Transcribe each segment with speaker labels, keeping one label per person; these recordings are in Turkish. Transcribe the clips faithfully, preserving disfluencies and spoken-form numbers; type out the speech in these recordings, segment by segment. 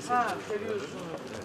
Speaker 1: Ha, seviyorsunuz.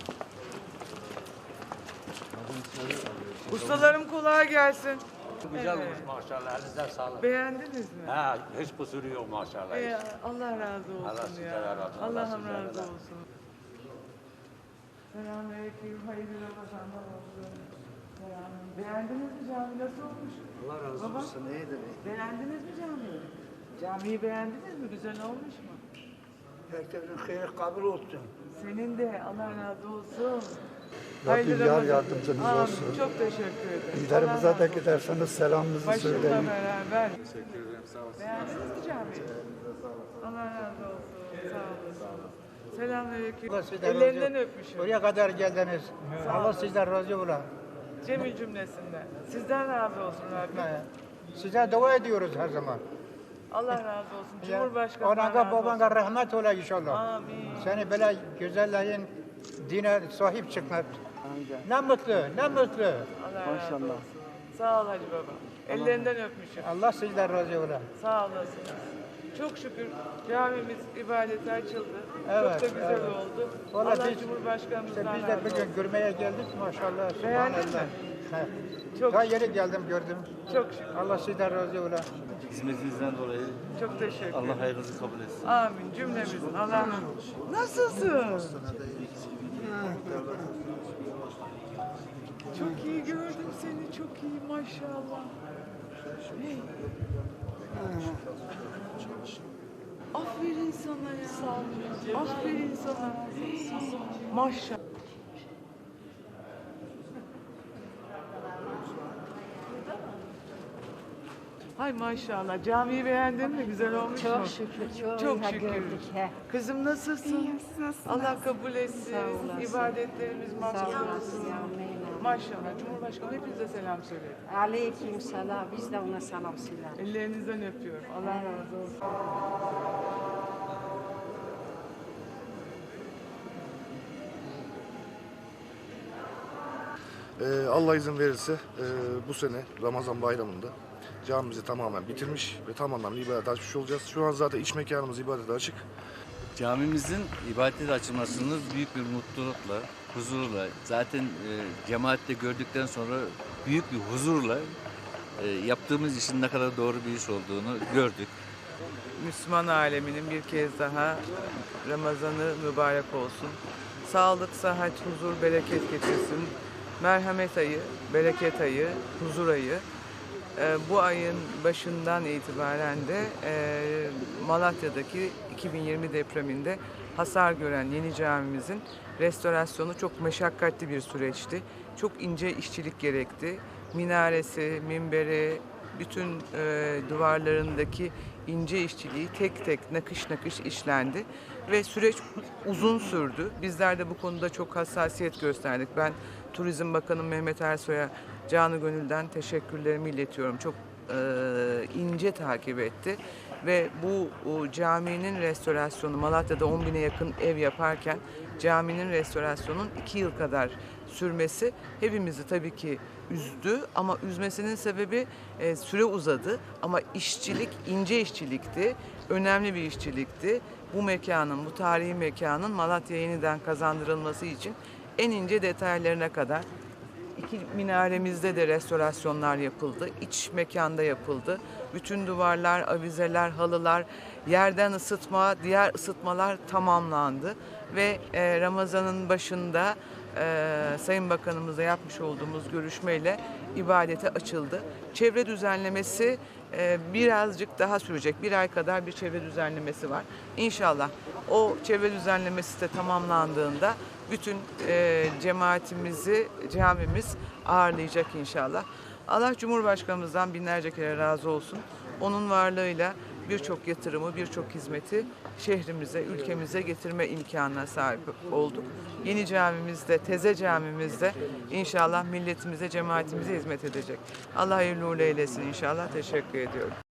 Speaker 1: Ustalarım kolay gelsin.
Speaker 2: Güzel
Speaker 1: Evet.
Speaker 2: olmuş maşallah. Elinize sağlık.
Speaker 1: Beğendiniz mi?
Speaker 2: Ha, hiç kusuru yok maşallah.
Speaker 1: Ee, Allah razı olsun
Speaker 2: Allah
Speaker 1: ya.
Speaker 2: sizden razı olsun. Allah
Speaker 1: Allah'ım
Speaker 2: sizden
Speaker 1: razı
Speaker 2: razı
Speaker 1: olsun. Selamünaleyküm. Hayırlı Ramazanlar olsun. Selam. Beğendiniz mi cami? Nasıl olmuş?
Speaker 3: Allah razı
Speaker 1: Baba,
Speaker 3: olsun. Neydi?
Speaker 1: beğendiniz mi camiyi? Camiyi beğendiniz mi? Güzel olmuş mu?
Speaker 3: Herkesin hayır kabul olsun.
Speaker 1: Senin de Allah razı olsun.
Speaker 4: Rabbim yar
Speaker 1: Ramazan.
Speaker 4: yardımcınız
Speaker 1: Amin.
Speaker 4: olsun.
Speaker 1: Çok teşekkür ederim.
Speaker 4: İlerimize
Speaker 1: Allah
Speaker 4: de
Speaker 1: razı olsun.
Speaker 4: giderseniz selamınızı
Speaker 1: Başımla
Speaker 4: söyleyin.
Speaker 1: beraber. Teşekkür ederim. Sağ olasın. Beğendiniz mi camiyi? Allah razı olsun. Sağ olasın. Selamünaleyküm.
Speaker 5: Allah sizden
Speaker 1: Ellerinden
Speaker 5: razı-
Speaker 1: öpmüşüm.
Speaker 5: Oraya kadar geldiniz. Allah sizden razı ola.
Speaker 1: Cemil cümlesinden. Sizden razı olsun Rabbim.
Speaker 5: Size dua ediyoruz her zaman.
Speaker 1: Allah razı olsun.
Speaker 5: Ya,
Speaker 1: Cumhurbaşkanı'na
Speaker 5: Ona
Speaker 1: razı olsun.
Speaker 5: babana rahmet ola inşallah.
Speaker 1: Amin.
Speaker 5: Seni böyle güzellerin dine sahip çıkmak. Ne mutlu, ne mutlu.
Speaker 1: Allah razı olsun. Sağ ol Hacı Baba. Ellerinden öpmüşüm.
Speaker 5: Allah sizden razı ola.
Speaker 1: Sağ olasınız. Çok şükür camimiz ibadete açıldı.
Speaker 5: Evet,
Speaker 1: Çok da güzel
Speaker 5: evet.
Speaker 1: oldu.
Speaker 5: Vallahi
Speaker 1: Allah
Speaker 5: biz-
Speaker 1: Cumhurbaşkanımızdan
Speaker 5: İşte biz de
Speaker 1: razı olsun.
Speaker 5: bugün görmeye geldik maşallah.
Speaker 1: Beğendin
Speaker 5: Subhanallah.
Speaker 1: mi?
Speaker 5: He.
Speaker 1: Çok
Speaker 5: Daha
Speaker 1: şükür.
Speaker 5: yeni geldim gördüm.
Speaker 1: Çok şükür.
Speaker 5: Allah sizden razı ola.
Speaker 6: Hizmetinizden dolayı
Speaker 1: Çok teşekkür ederim.
Speaker 6: Allah hayrınızı kabul etsin.
Speaker 1: Amin cümlemizin. Allah nasılsın? Çok iyi gördüm seni. Çok iyi maşallah. Hey. Aferin sana ya. Sağ olun. Aferin sana. Hey. Maşallah. Hay maşallah. Camiyi beğendin mi? Güzel olmuş mu?
Speaker 7: Çok şükür, çok,
Speaker 1: Çok
Speaker 7: iyi
Speaker 1: şükür.
Speaker 7: gördük. He.
Speaker 1: Kızım nasılsın?
Speaker 7: İyiyim, siz nasılsınız?
Speaker 1: Allah kabul etsin.
Speaker 7: Sağ olasın.
Speaker 1: İbadetlerimiz
Speaker 7: Sağ
Speaker 1: makbul
Speaker 7: olasın
Speaker 1: olsun.
Speaker 7: yavrum, eyvallah.
Speaker 1: Maşallah. Cumhurbaşkanı hepinize selam söyledi.
Speaker 7: Aleyküm selam. Biz de ona selam söyledik.
Speaker 1: Ellerinizden öpüyorum. Allah razı olsun.
Speaker 8: Ee, Allah izin verirse e, bu sene Ramazan bayramında camimizi tamamen bitirmiş ve tamamen ibadete açmış olacağız. Şu an zaten iç mekanımız ibadete açık.
Speaker 6: Camimizin ibadete açılmasını büyük bir mutlulukla, huzurla, zaten e, cemaatte gördükten sonra büyük bir huzurla e, yaptığımız işin ne kadar doğru bir iş olduğunu gördük.
Speaker 1: Müslüman aleminin bir kez daha Ramazanı mübarek olsun. Sağlık, sıhhat, huzur, bereket getirsin. Merhamet ayı, bereket ayı, huzur ayı. Ee, bu ayın başından itibaren de e, Malatya'daki iki bin yirmi depreminde hasar gören yeni camimizin restorasyonu çok meşakkatli bir süreçti. Çok ince işçilik gerekti. Minaresi, minberi, bütün e, duvarlarındaki ince işçiliği tek tek nakış nakış işlendi ve süreç uzun sürdü. Bizler de bu konuda çok hassasiyet gösterdik. Ben Turizm Bakanı Mehmet Ersoy'a canı gönülden teşekkürlerimi iletiyorum. Çok e, ince takip etti ve bu o, caminin restorasyonu Malatya'da on bine yakın ev yaparken caminin restorasyonun iki yıl kadar sürmesi hepimizi tabii ki üzdü ama üzmesinin sebebi e, süre uzadı ama işçilik ince işçilikti, önemli bir işçilikti. Bu mekanın, bu tarihi mekanın Malatya'ya yeniden kazandırılması için en ince detaylarına kadar iki minaremizde de restorasyonlar yapıldı, iç mekanda yapıldı. Bütün duvarlar, avizeler, halılar, yerden ısıtma, diğer ısıtmalar tamamlandı ve e, Ramazan'ın başında e, Sayın Bakanımızla yapmış olduğumuz görüşmeyle ibadete açıldı. Çevre düzenlemesi e, birazcık daha sürecek. Bir ay kadar bir çevre düzenlemesi var. İnşallah o çevre düzenlemesi de tamamlandığında bütün e, cemaatimizi, camimiz ağırlayacak inşallah. Allah Cumhurbaşkanımızdan binlerce kere razı olsun. Onun varlığıyla birçok yatırımı, birçok hizmeti şehrimize, ülkemize getirme imkanına sahip olduk. Yeni camimizde, Teze camimizde inşallah milletimize, cemaatimize hizmet edecek. Allah hayırlı uğurlu eylesin inşallah. Teşekkür ediyorum.